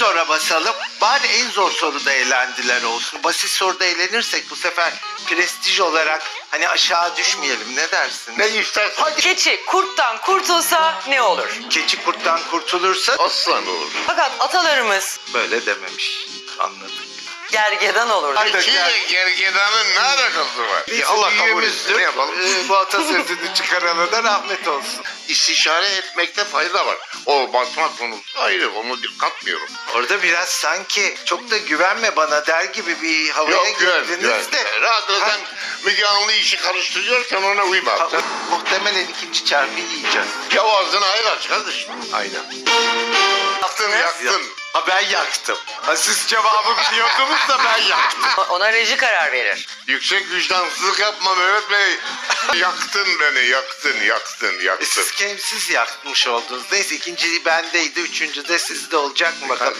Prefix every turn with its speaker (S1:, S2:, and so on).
S1: zora basalım. Bari en zor soruda eğlendiler olsun. Basit soruda eğlenirsek bu sefer prestij olarak hani aşağı düşmeyelim. Ne dersin?
S2: Ne istersen.
S1: Hadi.
S3: Keçi kurttan kurtulsa ne olur?
S1: Keçi kurttan kurtulursa
S2: Aslan olur.
S3: Fakat atalarımız
S1: böyle dememiş. Anladık.
S3: gergedan olur.
S1: Hadi.
S2: Keçiyle gergedanın ne alakası var?
S1: Biz
S2: Allah kabul
S1: büyüğümüzdür.
S2: etsin. Ne yapalım?
S1: Bu atasözünü çıkarana da rahmet olsun.
S2: İstişare etmekte fayda var. O basma konusu ayrı. Onu katmıyorum.
S1: Orada biraz sanki çok da güvenme bana der gibi bir havaya
S2: Yok güven.
S1: girdiniz de.
S2: Rahat ol, sen Müge Anlı işi karıştırıyorsan ona uyma.
S1: Ha,
S2: Sen
S1: muhtemelen ikinci çarpıyı yiyeceğiz.
S2: ya ağzını hayır aç kardeşim. Aynen. Yaktın yaktın.
S1: Ha ben yaktım. Ha, siz cevabı biliyordunuz da ben yaktım.
S3: Ona reji karar verir.
S2: Yüksek vicdansızlık yapma Mehmet Bey. Yaktın beni yaktın yaktın yaktın.
S1: Siz yakmış oldunuz. Neyse ikinci bendeydi, üçüncü de sizde olacak mı bakalım.